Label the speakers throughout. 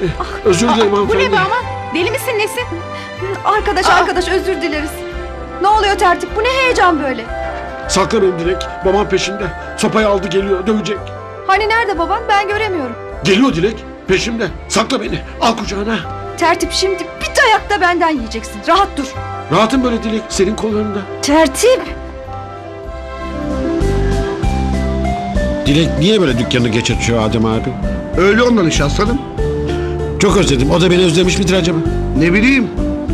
Speaker 1: Özür dilerim
Speaker 2: Bu
Speaker 1: hanımefendi.
Speaker 2: ne be ama? Deli misin nesin?
Speaker 3: Arkadaş özür dileriz. Ne oluyor tertip? Bu ne heyecan böyle?
Speaker 1: Sakla beni Dilek. Babam peşimde. Sopayı aldı geliyor. Dövecek.
Speaker 3: Hani nerede baban? Ben göremiyorum.
Speaker 1: Geliyor Dilek. Peşimde. Sakla beni. Al kucağına.
Speaker 3: Tertip şimdi bir dayak da benden yiyeceksin. Rahat dur.
Speaker 1: Rahatım böyle Dilek. Senin kollarında.
Speaker 3: Tertip.
Speaker 1: Dilek niye böyle dükkanı geçirtiyor Adem abi?
Speaker 4: Öyle ondan iş aslanım.
Speaker 1: Çok özledim. O da beni özlemiş midir acaba?
Speaker 4: Ne bileyim.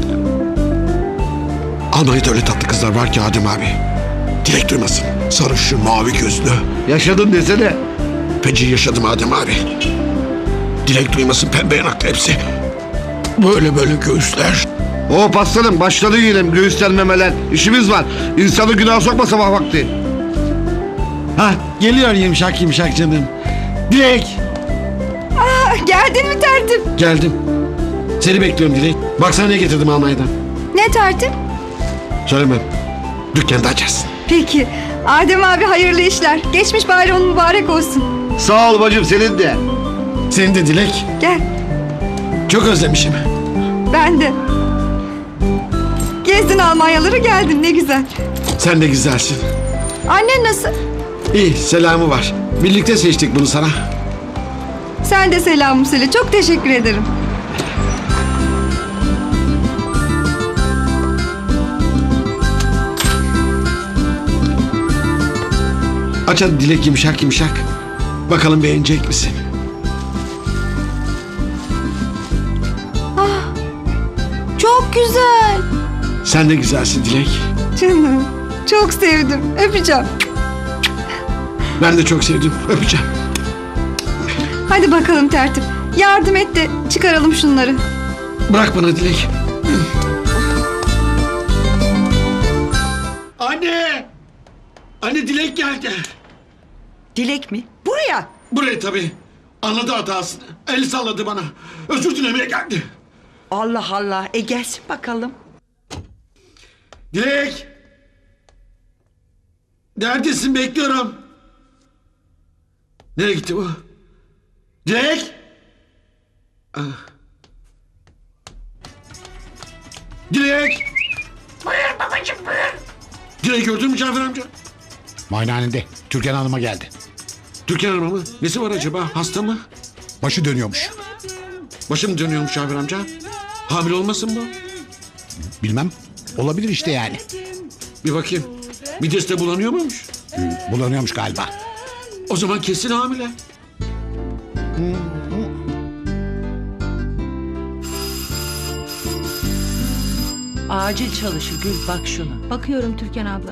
Speaker 1: Almanya'da öyle tatlı kızlar var ki Adem abi. Dilek duymasın. Sarışın, mavi gözlü.
Speaker 4: Yaşadın desene.
Speaker 1: Feci yaşadım Adem abi. Dilek duymasın, pembe yanaklı hepsi. Böyle böyle göğüsler.
Speaker 4: Hop aslanım başladı yine göğüslenmemeler. İşimiz var. İnsanı günaha sokma sabah vakti.
Speaker 5: Hah, geliyor yumuşak yumuşak canım. Dilek.
Speaker 3: Geldin mi tertip?
Speaker 1: Geldim. Seni bekliyorum Dilek. Baksana ne getirdim Almanya'dan.
Speaker 3: Ne tertip?
Speaker 1: Söylemem. Dükkanda açarsın.
Speaker 3: Peki. Adem abi hayırlı işler. Geçmiş bayramın mübarek olsun.
Speaker 4: Sağ ol bacım senin de.
Speaker 1: Senin de Dilek.
Speaker 3: Gel.
Speaker 1: Çok özlemişim.
Speaker 3: Ben de. Gezdin Almanyaları geldin ne güzel.
Speaker 1: Sen de güzelsin.
Speaker 3: Annen nasıl?
Speaker 1: İyi, selamı var. Birlikte seçtik bunu sana.
Speaker 3: Sen de selamımı söyle. Çok teşekkür ederim.
Speaker 1: Aç hadi Dilek yumuşak yumuşak. Bakalım beğenecek misin?
Speaker 3: Çok güzel.
Speaker 1: Sen de güzelsin Dilek.
Speaker 3: Canım. Çok sevdim. Öpeceğim.
Speaker 1: Ben de çok sevdim. Öpeceğim.
Speaker 3: Hadi bakalım tertip. Yardım et de çıkaralım şunları.
Speaker 1: Bırak bana Dilek. Anne! Anne Dilek geldi.
Speaker 6: Dilek mi? Buraya.
Speaker 1: Buraya tabii. Anladı hatasını. El salladı bana. Özür dilemeye geldi.
Speaker 6: Allah Allah. Gelsin bakalım.
Speaker 1: Dilek! Neredesin? Bekliyorum. Nereye gitti bu? Dilek! Ah. Dilek! Buyur babacığım buyur. Dilek gördün mü Cafer amca?
Speaker 7: Muayenehanede Türkan Hanım'a geldi.
Speaker 1: Türkan Hanım'a mı? Nesi var acaba? Hasta mı?
Speaker 7: Başı dönüyormuş.
Speaker 1: Başım dönüyormuş Cafer amca. Hamile olmasın bu?
Speaker 7: Bilmem. Olabilir işte yani.
Speaker 1: Bir bakayım. Midesi bulanıyor muymuş?
Speaker 7: Bulanıyormuş galiba.
Speaker 1: O zaman kesin hamile.
Speaker 8: Acil çalışır Gül, bak şuna.
Speaker 2: Bakıyorum Türkan abla.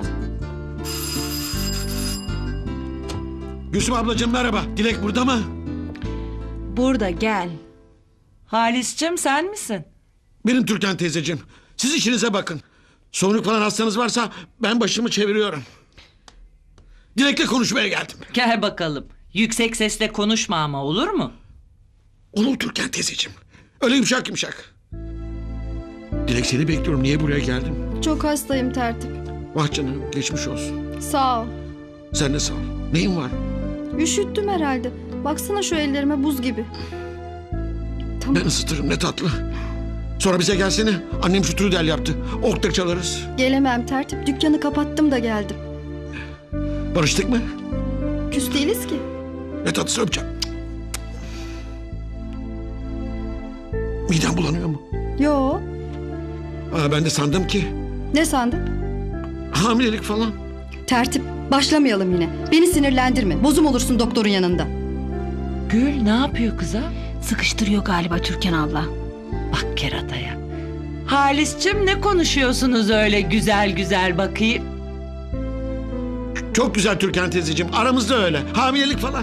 Speaker 1: Gülsüm ablacığım merhaba. Dilek burada mı?
Speaker 2: Burada gel.
Speaker 8: Halis'cim sen misin?
Speaker 1: Benim Türkan teyzeciğim. Siz işinize bakın. Sorunluk falan hastanız varsa ben başımı çeviriyorum. Dilek'le konuşmaya geldim.
Speaker 8: Gel bakalım. Yüksek sesle konuşma ama, olur mu?
Speaker 1: Olur Türkan teyzeciğim. Öyle yumuşak yumuşak. Dilek seni bekliyorum. Niye buraya geldin?
Speaker 3: Çok hastayım tertip.
Speaker 1: Vah canım geçmiş olsun.
Speaker 3: Sağ ol.
Speaker 1: Sen de sağ ol. Neyin var?
Speaker 3: Üşüttüm herhalde. Baksana şu ellerime buz gibi. Tamam.
Speaker 1: Ben ısıtırım ne tatlı. Sonra bize gelsene. Annem şu trudel yaptı. Okta çalarız.
Speaker 3: Gelemem tertip. Dükkanı kapattım da geldim.
Speaker 1: Barıştık mı?
Speaker 3: Küs değiliz ki.
Speaker 1: Ne tatlısı öpeceğim. Midem bulanıyor mu?
Speaker 3: Yo.
Speaker 1: Ben de sandım ki
Speaker 3: Ne sandın?
Speaker 1: hamilelik falan.
Speaker 3: Tertip. Başlamayalım yine. Beni sinirlendirme. Bozum olursun doktorun yanında.
Speaker 8: Gül ne yapıyor kıza?
Speaker 2: Sıkıştırıyor galiba Türkan abla.
Speaker 8: Bak kerataya. Halis'cim ne konuşuyorsunuz öyle güzel güzel bakayım?
Speaker 1: Çok güzel Türkan teyzeciğim. Aramızda öyle. Hamilelik falan.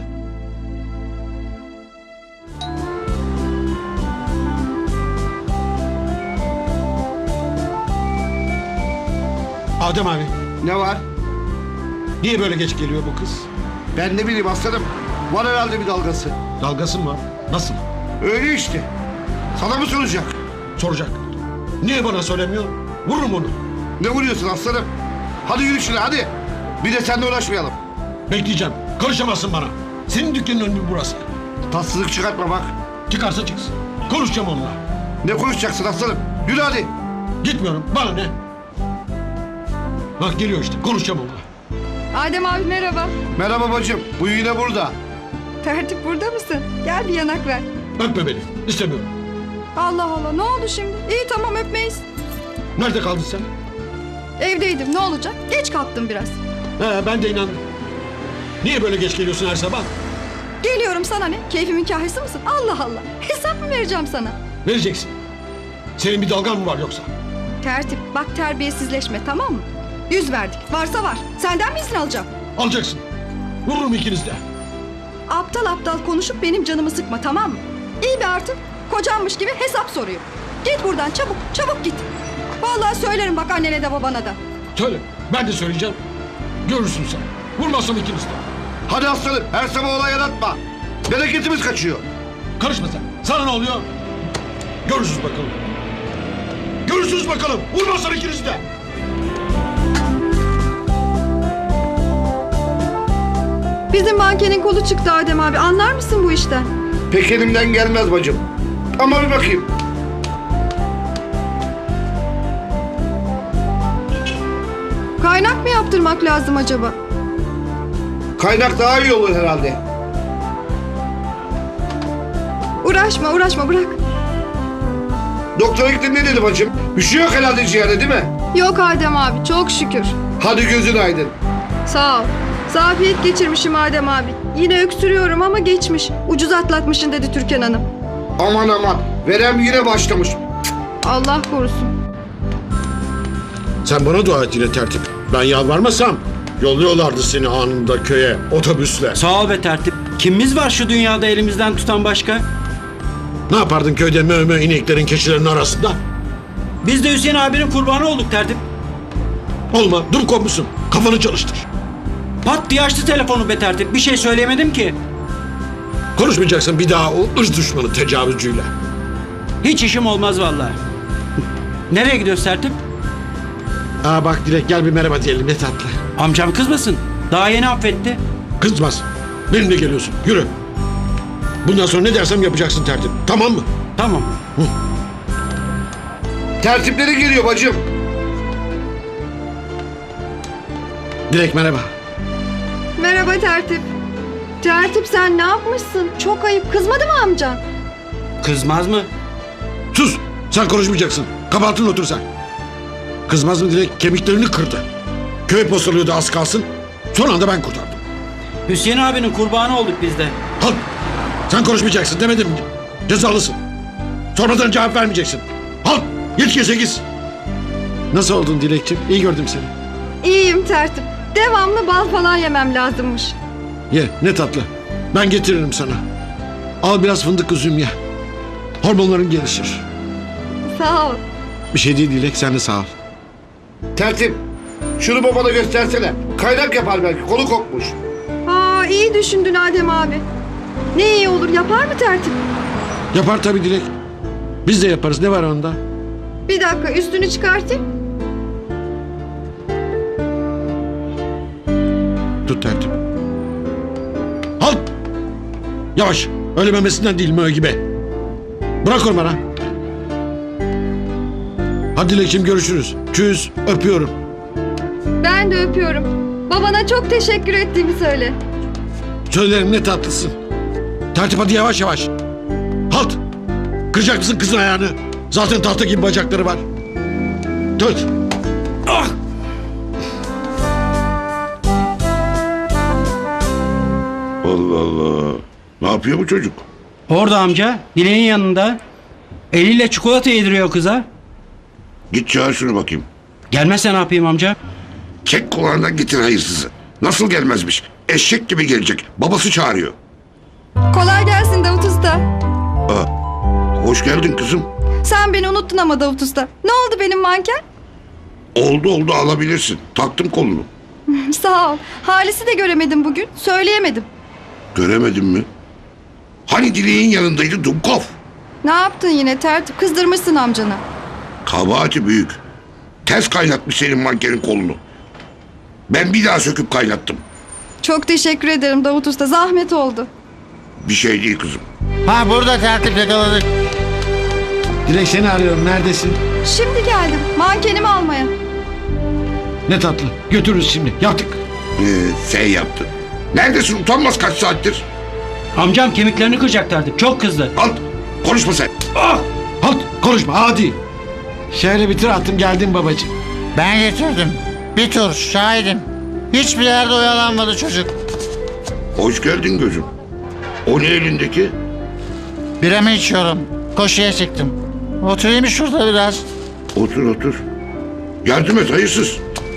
Speaker 1: Adem abi.
Speaker 4: Ne var?
Speaker 1: Niye böyle geç geliyor bu kız?
Speaker 4: Ben ne bileyim aslanım. Var herhalde bir dalgası.
Speaker 1: Dalgası mı var? Nasıl?
Speaker 4: Öyle işte. Sana mı soracak?
Speaker 1: Soracak. Niye bana söylemiyor? Vururum onu.
Speaker 4: Ne vuruyorsun aslanım? Hadi yürü şuna hadi. Bir de seninle uğraşmayalım.
Speaker 1: Bekleyeceğim. Karışamazsın bana. Senin dükkanın önü burası.
Speaker 4: Tatsızlık çıkartma bak.
Speaker 1: Çıkarsa çıksın. Konuşacağım onunla.
Speaker 4: Ne konuşacaksın aslanım? Yürü hadi.
Speaker 1: Gitmiyorum. Bana ne? Bak geliyor işte. Konuşacağım onunla.
Speaker 3: Adem abi merhaba.
Speaker 4: Merhaba bacım. Bu yine burada.
Speaker 3: Tertip burada mısın? Gel bir yanak ver.
Speaker 1: Öpme beni. İstemiyorum.
Speaker 3: Allah Allah ne oldu şimdi? İyi tamam öpmeyiz.
Speaker 1: Nerede kaldın sen?
Speaker 3: Evdeydim ne olacak? Geç kalktım biraz.
Speaker 1: Ben de inandım. Niye böyle geç geliyorsun her sabah?
Speaker 3: Geliyorum sana ne? Keyfimin kahyası mısın? Allah Allah. Hesap mı vereceğim sana?
Speaker 1: Vereceksin. Senin bir dalgan mı var yoksa?
Speaker 3: Tertip bak terbiyesizleşme tamam mı? 100 verdik. Varsa var. Senden mi izin alacağım?
Speaker 1: Alacaksın. Vururum ikiniz de.
Speaker 3: Aptal aptal konuşup benim canımı sıkma tamam mı? İyi bir artık. Kocanmış gibi hesap soruyor. Git buradan çabuk çabuk git. Vallahi söylerim bak annene de babana da.
Speaker 1: Söyle. Ben de söyleyeceğim. Görürsün sen. Vurmazsam ikiniz de.
Speaker 4: Hadi aslanım. Her sabah olay yaratma. Bereketimiz kaçıyor.
Speaker 1: Karışma sen. Sana ne oluyor? Görürsünüz bakalım. Görürsünüz bakalım. Vurmazsam ikiniz de.
Speaker 3: Bizim mankenin kolu çıktı Adem abi. Anlar mısın bu işten?
Speaker 4: Pek elimden gelmez bacım. Ama bir bakayım.
Speaker 3: Kaynak mı yaptırmak lazım acaba?
Speaker 4: Kaynak daha iyi olur herhalde.
Speaker 3: Uğraşma bırak.
Speaker 4: Doktora gittin ne dedi bacım? Bir şey yok herhalde ciğerde değil mi?
Speaker 3: Yok Adem abi çok şükür.
Speaker 4: Hadi gözün aydın.
Speaker 3: Sağ ol. Zafiyet geçirmişim Adem abi. Yine öksürüyorum ama geçmiş. Ucuz atlatmışsın dedi Türkan Hanım.
Speaker 4: Aman aman. Verem yine başlamış.
Speaker 3: Allah korusun.
Speaker 1: Sen bana dua et yine tertip. Ben yalvarmasam yolluyorlardı seni anında köye otobüsle.
Speaker 5: Sağ ol be tertip. Kimimiz var şu dünyada elimizden tutan başka?
Speaker 1: Ne yapardın köyde mö ineklerin keçilerin arasında?
Speaker 5: Biz de Hüseyin abinin kurbanı olduk tertip.
Speaker 1: Olma dur komşusun. Kafanı çalıştır.
Speaker 5: Pat diye açtı telefonu be tertip. Bir şey söyleyemedim ki.
Speaker 1: Konuşmayacaksın bir daha o ırz düşmanı tecavüzcüyle.
Speaker 5: Hiç işim olmaz vallahi. Nereye gidiyoruz tertip?
Speaker 1: Bak Dilek gel bir merhaba diyelim ne tatlı.
Speaker 5: Amcam kızmasın. Daha yeni affetti.
Speaker 1: Kızmaz. Benimle geliyorsun. Yürü. Bundan sonra ne dersem yapacaksın tertip. Tamam mı?
Speaker 5: Tamam.
Speaker 4: Tertipleri geliyor bacım.
Speaker 1: Dilek merhaba.
Speaker 3: Merhaba Tertip. Tertip sen ne yapmışsın? Çok ayıp. Kızmadı mı amcan?
Speaker 5: Kızmaz mı?
Speaker 1: Sus. Sen konuşmayacaksın. Kabahatine otur sen. Kızmaz mı Dilek? Kemiklerini kırdı. Köy postalıyordu az kalsın. Son anda ben kurtardım.
Speaker 5: Hüseyin abinin kurbanı olduk biz de.
Speaker 1: Halt. Sen konuşmayacaksın demedim mi? Cezalısın. Sonradan cevap vermeyeceksin. Halt. 7-8. Nasıl oldun Dilekciğim? İyi gördüm seni.
Speaker 3: İyiyim Tertip. Devamlı bal falan yemem lazımmış.
Speaker 1: Ye ne tatlı. Ben getiririm sana. Al biraz fındık üzüm ye. Hormonların gelişir.
Speaker 3: Sağ ol.
Speaker 1: Bir şey değil Dilek sen de sağ ol.
Speaker 4: Tertip. Şunu babana göstersene. Kaynak yapar belki. Kolu kopmuş.
Speaker 3: Aa iyi düşündün Adem abi. Ne iyi olur yapar mı Tertip?
Speaker 1: Yapar tabii Dilek. Biz de yaparız ne var onda?
Speaker 3: Bir dakika üstünü çıkartayım.
Speaker 1: Tut tertip. Halt! Yavaş. Öyle memesinden değil mö gibi. Bırak onu bana. Hadi Dilek'ciğim görüşürüz. Çüz. Öpüyorum.
Speaker 3: Ben de öpüyorum. Babana çok teşekkür ettiğimi söyle.
Speaker 1: Söylerim ne tatlısın. Tertip hadi yavaş yavaş. Halt! Kıracak mısın kızın ayağını? Zaten tahta gibi bacakları var. Tut. Ah!
Speaker 9: Allah Allah. Ne yapıyor bu çocuk?
Speaker 5: Orada amca. Dileğin yanında. Eliyle çikolata yediriyor kıza.
Speaker 9: Git çağır şunu bakayım.
Speaker 5: Gelmezse ne yapayım amca?
Speaker 9: Çek kulağından getir hayırsızı. Nasıl gelmezmiş? Eşek gibi gelecek. Babası çağırıyor.
Speaker 3: Kolay gelsin Davut Usta.
Speaker 9: Hoş geldin kızım.
Speaker 3: Sen beni unuttun ama Davut Usta. Ne oldu benim manken?
Speaker 9: Oldu alabilirsin. Taktım kolunu.
Speaker 3: Sağ ol. Halis'i de göremedim bugün. Söyleyemedim.
Speaker 9: Göremedim mi? Hani dileğin yanındaydı Dumkov?
Speaker 3: Ne yaptın yine Tertip? Kızdırmışsın amcana.
Speaker 9: Kabahati büyük. Ters kaynatmış senin mankenin kolunu. Ben bir daha söküp kaynattım.
Speaker 3: Çok teşekkür ederim Davut Usta. Zahmet oldu.
Speaker 9: Bir şey değil kızım.
Speaker 5: Ha burada tertip yakaladık.
Speaker 1: Dilek seni arıyorum. Neredesin?
Speaker 3: Şimdi geldim mankenimi almaya.
Speaker 1: Ne tatlı. Götürürüz şimdi. Yaptık.
Speaker 9: Sen yaptın. Neredesin utanmaz kaç saattir?
Speaker 5: Amcam kemiklerini kıracak artık. Çok kızdı.
Speaker 9: Halt. Konuşma sen.
Speaker 1: Halt. Konuşma. Hadi. Şehre bitir attım geldim babacığım.
Speaker 10: Ben getirdim. Bir tur şahidim. Hiçbir yerde oyalanmadı çocuk.
Speaker 9: Hoş geldin gözüm. O ne elindeki?
Speaker 10: Biramı içiyorum. Koşuya çıktım. Oturayım şurada biraz.
Speaker 9: Otur otur. Yardım et hayırsız.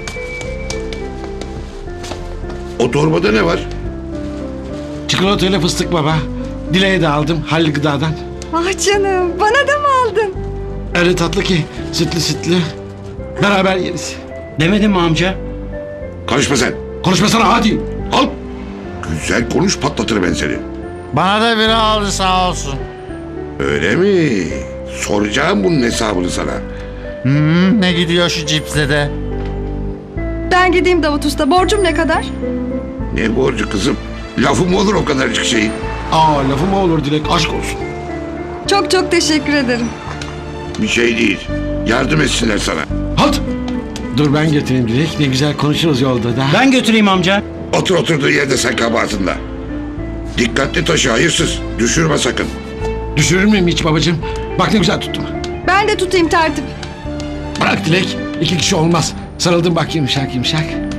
Speaker 9: O torbada ne var?
Speaker 1: Çikolatayla fıstık baba. Dileğe de aldım Halil Gıda'dan.
Speaker 3: Ah canım bana da mı aldın?
Speaker 1: Öyle tatlı ki sütlü sütlü. Beraber yeriz.
Speaker 5: Demedin mi amca?
Speaker 9: Karışma sen.
Speaker 1: Konuşmasana hadi.
Speaker 9: Al. Güzel konuş patlatır ben seni.
Speaker 10: Bana da biri aldı sağ olsun.
Speaker 9: Öyle mi? Soracağım bunun hesabını sana.
Speaker 10: Ne gidiyor şu cipsle de?
Speaker 3: Ben gideyim Davut Usta. Borcum ne kadar?
Speaker 9: Ne borcu kızım? Lafım olur o kadarcık şeyin.
Speaker 1: Aa lafı mı olur Dilek aşk olsun.
Speaker 3: Çok çok teşekkür ederim.
Speaker 9: Bir şey değil. Yardım etsinler sana.
Speaker 1: Halt. Dur ben getireyim Dilek. Ne güzel konuşuruz yolda da.
Speaker 5: Ben götüreyim amca.
Speaker 9: Otur oturduğu yerde sen kabahatında. Dikkatli taşı hayırsız. Düşürme sakın.
Speaker 1: Düşürür müyüm hiç babacığım? Bak ne güzel tuttum.
Speaker 3: Ben de tutayım tertip.
Speaker 1: Bırak Dilek. 2 kişi olmaz. Sarıldım bak yumuşak yumuşak.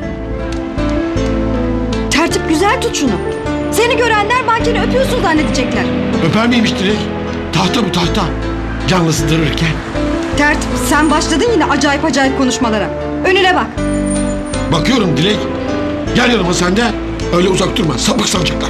Speaker 3: Tertip güzel tut şunu. Seni görenler mankeni öpüyorsun zannedecekler.
Speaker 1: Öper miymiş Dilek? Tahta bu tahta. Canlı ısıtırırken.
Speaker 3: Tertip sen başladın yine acayip acayip konuşmalara. Önüne bak.
Speaker 1: Bakıyorum Dilek. Gel yanıma sen de. Öyle uzak durma. Sapık sanacaklar.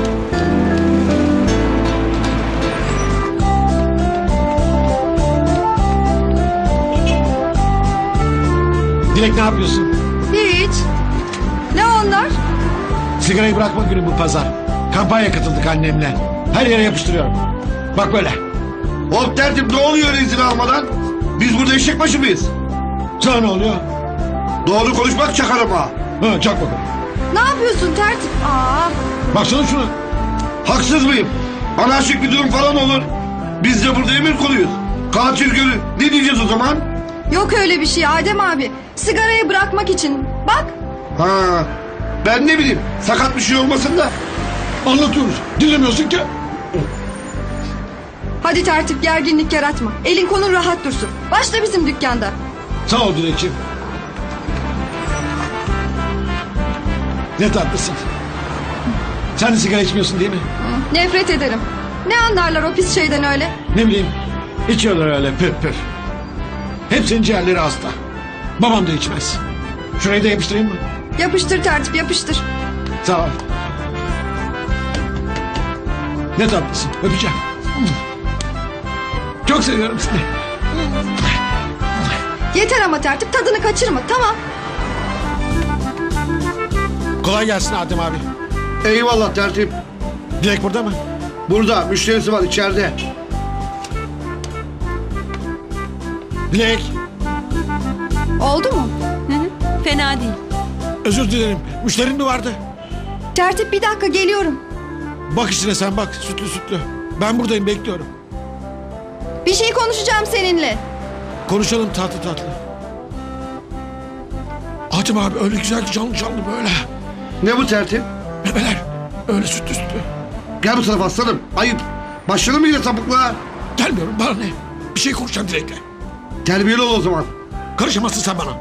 Speaker 1: Dilek ne yapıyorsun?
Speaker 3: Hiç. Ne onlar?
Speaker 1: Sigarayı bırakma günü bu pazar. Kampanya katıldık annemle. Her yere yapıştırıyorum. Bak böyle.
Speaker 4: Hop tertip ne oluyor izin almadan? Biz burada eşek başı mıyız?
Speaker 1: Sana ne oluyor?
Speaker 4: Doğru konuşmak çakarım ha.
Speaker 1: Ha, çak bakalım.
Speaker 3: Ne yapıyorsun tertip? Aa,
Speaker 1: Baksana şuna.
Speaker 4: Haksız mıyım? Anarşik bir durum falan olur. Biz de burada emir kuluyuz. Katil gölü. Ne diyeceğiz o zaman?
Speaker 3: yok öyle bir şey Adem abi. Sigarayı bırakmak için. Bak.
Speaker 4: Ha, ben ne bileyim. Sakat bir şey olmasın da.
Speaker 1: Anlatıyoruz. Dinlemiyorsun ki.
Speaker 3: Hadi tertip gerginlik yaratma. Elin kolun rahat dursun. Başla bizim dükkanda.
Speaker 1: Sağ ol Dilekçim. Ne tatlısın. Sen de sigara içmiyorsun değil mi?
Speaker 3: Nefret ederim. Ne anlarlar o pis şeyden öyle?
Speaker 1: Ne bileyim. İçiyorlar öyle püf püf. Hepsinin ciğerleri hasta. Babam da içmez. Şurayı da yapıştırayım mı?
Speaker 3: Yapıştır tertip yapıştır.
Speaker 1: Sağ ol. Ne tatlısın. Öpeceğim. Çok seviyorum seni.
Speaker 3: Yeter ama tertip tadını kaçırma tamam.
Speaker 1: Kolay gelsin Adem abi.
Speaker 4: Eyvallah tertip.
Speaker 1: Dilek burada mı?
Speaker 4: Burada müşterisi var içeride.
Speaker 1: Dilek.
Speaker 3: Oldu mu?
Speaker 2: Fena değil.
Speaker 1: Özür dilerim. Müşterin mi vardı?
Speaker 3: Tertip bir dakika geliyorum.
Speaker 1: Bak içine sen bak. Sütlü sütlü. Ben buradayım bekliyorum.
Speaker 3: Bir şey konuşacağım seninle.
Speaker 1: Konuşalım tatlı tatlı. Adem abi öyle güzel ki canlı canlı böyle.
Speaker 4: Ne bu tertip?
Speaker 1: Bebeler öyle sütlü sütlü.
Speaker 4: Gel bu tarafa aslanım. Ayıp. Başladın mı yine sapıklığa?
Speaker 1: Gelmiyorum bana ne? Bir şey konuşacağım Dilek'le.
Speaker 4: Terbiyeli ol o zaman.
Speaker 1: Karışamazsın sen bana.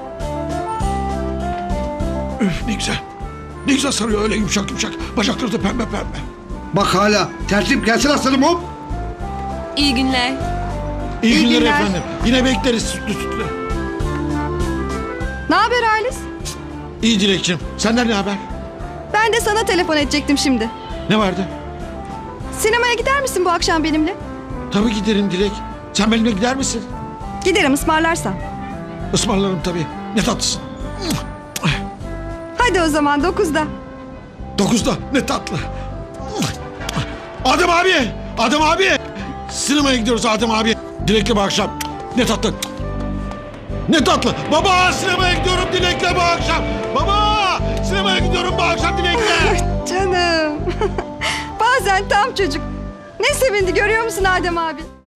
Speaker 1: Üf ne güzel. Ne güzel sarıyor öyle yumuşak yumuşak. Bacakları da pembe pembe.
Speaker 4: Bak hala. Tertip gelsin aslanım hop.
Speaker 2: İyi günler.
Speaker 1: İyi,
Speaker 3: İyi
Speaker 1: günler
Speaker 3: günler.
Speaker 1: efendim. Yine bekleriz sütlü sütlü.
Speaker 3: Ne haber Halis?
Speaker 1: İyi Dilek'ciğim. Senden ne haber?
Speaker 3: Ben de sana telefon edecektim şimdi.
Speaker 1: Ne vardı?
Speaker 3: Sinemaya gider misin bu akşam benimle?
Speaker 1: Tabii giderim Dilek. Sen benimle gider misin?
Speaker 3: Giderim ısmarlarsan.
Speaker 1: Ismarlarım tabii. Ne tatlısın.
Speaker 3: Hadi o zaman 9'da.
Speaker 1: 9'da ne tatlı. Adem abi. Adem abi. Sinemaya gidiyoruz Adem abi. Dilek'le bu akşam. Ne tatlı. Ne tatlı. Baba sinemaya gidiyorum Dilek'le bu akşam. Baba sinemaya gidiyorum bu akşam Dilek'le.
Speaker 3: Canım. Bazen tam çocuk. Ne sevindi görüyor musun Adem abi?